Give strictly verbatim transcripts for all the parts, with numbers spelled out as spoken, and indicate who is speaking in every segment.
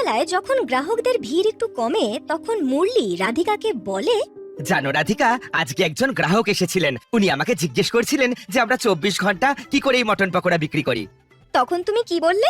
Speaker 1: সন্ধ্যাবেলায় যখন গ্রাহকদের ভিড় একটু কমে তখন মুরলি রাধিকাকে বলে,
Speaker 2: জানো রাধিকা, আজকে একজন গ্রাহক এসেছিলেন। উনি আমাকে জিজ্ঞেস করছিলেন যে আমরা চব্বিশ ঘন্টা কি করে এই মটন পকোড়া বিক্রি করি।
Speaker 1: তখন তুমি কি বললে?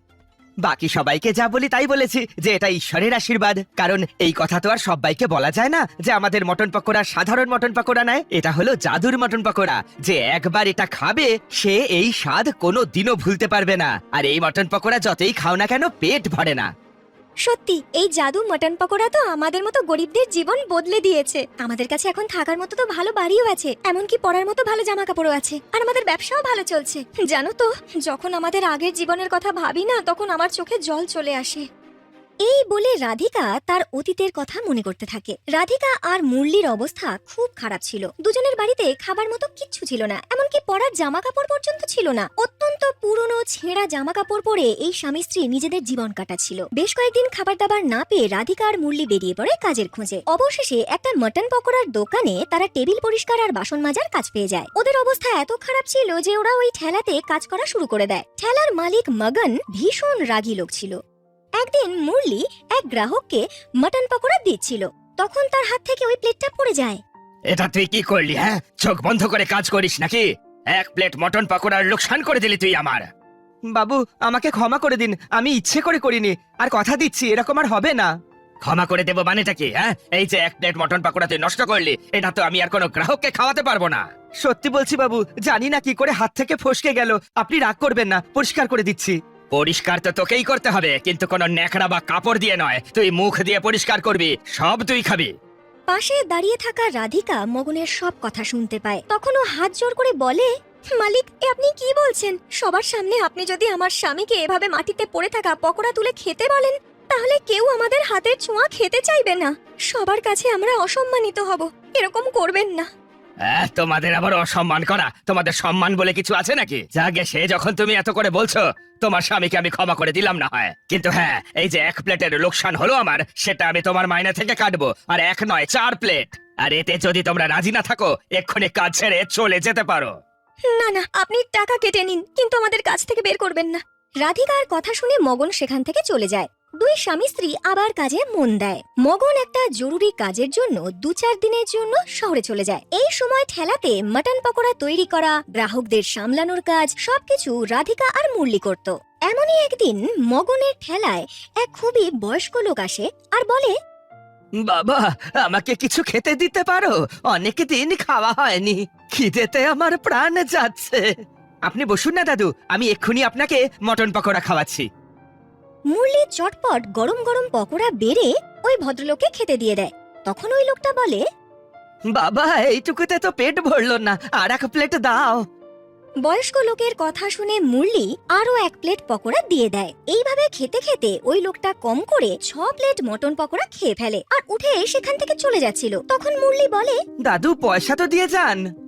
Speaker 2: বাকি সবাইকে যা বলি তাই বলেছি, যে এটা ঈশ্বরের আশীর্বাদ। কারণ এই কথা তো আর সবাইকে বলা যায় না যে আমাদের মটন পকোড়া সাধারণ মটন পকোড়া নয়, এটা হলো জাদুর মটন পকোড়া। যে একবার এটা খাবে সে এই স্বাদ কোনো দিনও ভুলতে পারবে না। আর এই মটন পকোড়া যতই খাও না কেন পেট ভরে না।
Speaker 1: সত্যি এই জাদু মটন পকোড়া তো আমাদের মতো গরিবদের জীবন বদলে দিয়েছে। আমাদের কাছে এখন থাকার মতো তো ভালো বাড়িও আছে, এমনকি পরার মতো ভালো জামা কাপড়ও আছে, আর আমাদের ব্যবসাও ভালো চলছে। জানো তো, যখন আমাদের আগের জীবনের কথা ভাবি না তখন আমার চোখে জল চলে আসে। এই বলে রাধিকা তার অতীতের কথা মনে করতে থাকে। রাধিকা আর মুরলির অবস্থা খুব খারাপ ছিল। দুজনের বাড়িতে খাবার মতো কিচ্ছু ছিল না, এমনকি পরার জামা কাপড় পর্যন্ত ছিল না। অত্যন্ত পুরনো ছেঁড়া জামা কাপড় পরে এই স্বামী স্ত্রী নিজেদের জীবন কাটাচ্ছিল। বেশ কয়েকদিন খাবার দাবার না পেয়ে রাধিকা আর মুরলি বেরিয়ে পড়ে কাজের খোঁজে। অবশেষে একটা মটন পকোড়ার দোকানে তারা টেবিল পরিষ্কার আর বাসন মাজার কাজ পেয়ে যায়। ওদের অবস্থা এত খারাপ ছিল যে ওরা ওই ঠেলাতে কাজ করা শুরু করে দেয়। ঠেলার মালিক মগন ভীষণ রাগী লোক ছিল। একদিন মুরলি এক গ্রাহককে মটন পকোড়া দিচ্ছিল, তখন তার হাত থেকে ওই প্লেটটা পড়ে যায়।
Speaker 2: এটা তুই কি করলি? হ্যাঁ, চোখ বন্ধ করে কাজ করিস নাকি? এক প্লেট মটন পকোড়ার লোকসান করে দিলি তুই আমার। বাবু, আমাকে ক্ষমা করে দিন, আমি ইচ্ছে করে করিনি। আর কথা দিচ্ছি এরকম আর হবে না। ক্ষমা করে দেবো মানেটা কি? হ্যাঁ, এই যে এক প্লেট মটন পকোড়া তুই নষ্ট করলি, এটা তো আমি আর কোনো গ্রাহককে খাওয়াতে পারবো না। সত্যি বলছি বাবু, জানি না কি করে হাত থেকে ফসকে গেল। আপনি রাগ করবেন না, পরিষ্কার করে দিচ্ছি। পরিষ্কার তো তোকেই করতে হবে, কিন্তু কোনো ন্যাকড়া বা কাপড় দিয়ে নয়। তুই মুখ দিয়ে পরিষ্কার করবি, সব তুই খাবি।
Speaker 1: পাশে দাঁড়িয়ে থাকা রাধিকা মগনের সব কথা শুনতে পায়। তখন ও হাত জোর করে বলে, মালিক, এ আপনি কি বলছেন? সবার সামনে আপনি যদি আমার স্বামীকে এভাবে মাটিতে পড়ে থাকা পকোড়া তুলে খেতে বলেন, তাহলে কেউ আমাদের হাতের ছোঁয়া খেতে চাইবে না। সবার কাছে আমরা অসম্মানিত হব। এরকম করবেন না।
Speaker 2: আহ, তোমাদের আবার অসম্মান করা? তোমাদের সম্মান বলে কিছু আছে নাকি? যাগে, সে যখন তুমি এত করে বলছো, তোমার স্বামীকে আমি ক্ষমা করে দিলাম না হয়, কিন্তু হ্যাঁ, এই যে এক প্লেটের লোকসান হলো আমার, সেটা আমি তোমার মাইনে থেকে কাটবো। আর এক নয়, চার প্লেট। আর এতে যদি তোমরা রাজি না থাকো, এক্ষুনি কাজ ছেড়ে চলে যেতে পারো।
Speaker 1: না না, আপনি টাকা কেটে নিন, কিন্তু আমাদের কাছ থেকে বের করবেন না। রাধিকার কথা শুনে মগন সেখান থেকে চলে যায়। দুই স্বামী স্ত্রী আবার কাজে মন দেয়। মগন একটা জরুরি কাজের জন্য দু চার দিনের জন্য শহরে চলে যায়। এই সময় ঠেলাতে মটন পকোড়া তৈরি করা, গ্রাহকদের সামলানোর কাজ সবকিছু রাধিকা আর মুরলি করত। এমনই একদিন মগনের ঠেলায় এক খুবই বয়স্ক লোক আসে আর বলে,
Speaker 2: বাবা, আমাকে কিছু খেতে দিতে পারো? অনেক দিন খাওয়া হয়নি, খিদেতে আমার প্রাণ যাচ্ছে। আপনি বসুন না দাদু, আমি এক্ষুনি আপনাকে মটন পকোড়া খাওয়াচ্ছি।
Speaker 1: মুরলি চটপট গরম গরম পকোড়া বেড়ে ওই ভদ্রলোককে খেতে দিয়ে দেয়। তখন ওই লোকটা বলে,
Speaker 2: বাবা, এইটুকুতে তো পেট ভরলো না, আর এক প্লেট দাও।
Speaker 1: বয়স্ক লোকের কথা শুনে মুরলি আরো এক প্লেট পকোড়া দিয়ে দেয়। এইভাবে খেতে খেতে ওই লোকটা কম করে ছ প্লেট মটন পকোড়া খেয়ে ফেলে আর উঠে সেখান থেকে চলে যাচ্ছিল। তখন মুরলি বলে,
Speaker 2: দাদু, পয়সা তো দিয়ে যান।